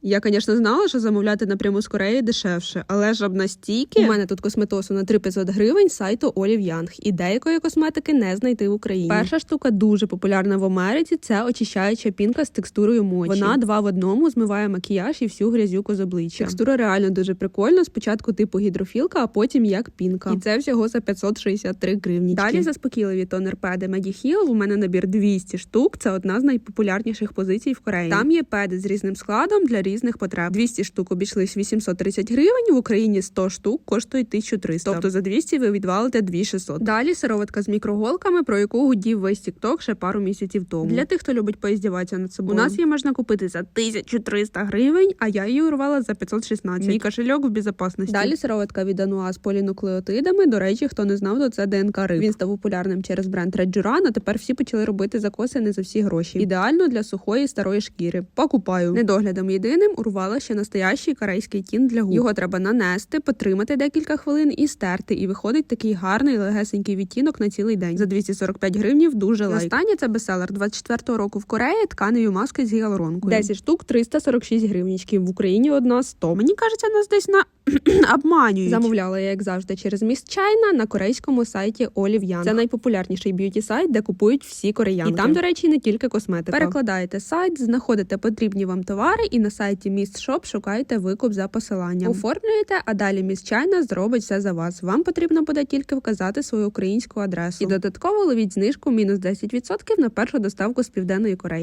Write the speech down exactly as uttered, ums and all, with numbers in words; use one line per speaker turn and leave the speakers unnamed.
Я, звісно, знала, що замовляти напряму з Кореї дешевше, але ж об настільки... У мене тут косметосу на три тисячі п'ятсот гривень з сайту Olive Young. І деякої косметики не знайти в Україні. Перша штука дуже популярна в Америці – це очищаюча пінка з текстурою мочі. Вона два в одному змиває макіяж і всю грязюку з обличчя. Текстура реально дуже прикольна. Спочатку типу гідрофілка, а потім як пінка. І це всього за п'ятсот шістдесят три гривнічки. Далі заспокійливі тонер-педи Mediheal. У мене набір двісті штук. Це одна з найпопулярніших позицій в Кореї. Там є педи з різним складом для різних потреб. двісті штук обійшлись вісімсот тридцять гривень, в Україні сто штук коштують тисячу триста. Тобто за двісті ви відвалите дві тисячі шістсот. Далі сироватка з мікроголками, про яку гудів весь тікток ще пару місяців тому. Для тих, хто любить поіздіватися над собою. У нас її можна купити за тисячу триста гривень, а я її урвала за п'ятсот шістнадцять. Мій кошельок в безпечності. Далі сироватка від Ануа з полінуклеотидами. До речі, хто не знав, то це ДНК риб. Він став популярним через бренд Red Juran, а тепер всі почали робити закоси не за всі гроші. Ідеально для сухої старої шкіри. Покупаю. Недоглядом єдиним урвала ще настоящий корейський тін для губ. Його треба нанести, потримати декілька хвилин і стерти. І виходить такий гарний легесенький відтінок на цілий день. За двісті сорок п'ять гривнів дуже лайк. Останнє це бестселер двадцять четвертого року в Кореї тканеві маски з гіалуронкою. десять штук триста сорок шість гривнічків. В Україні одна сто. Мені кажеться, нас десь на обманюють. Замовляла я, як завжди, через Miss China на корейському сайті Olive Young. Це найпопулярніший б'юті-сайт, де купують всі кореянки. І там, до речі, не тільки косметика. Перекладаєте сайт, знаходите потрібні вам товари і на сайті Miss Shop шукаєте викуп за посиланням. Оформлюєте, а далі Miss China зробить все за вас. Вам потрібно буде тільки вказати свою українську адресу. І додатково ловіть знижку мінус десять відсотків на першу доставку з Південної Кореї.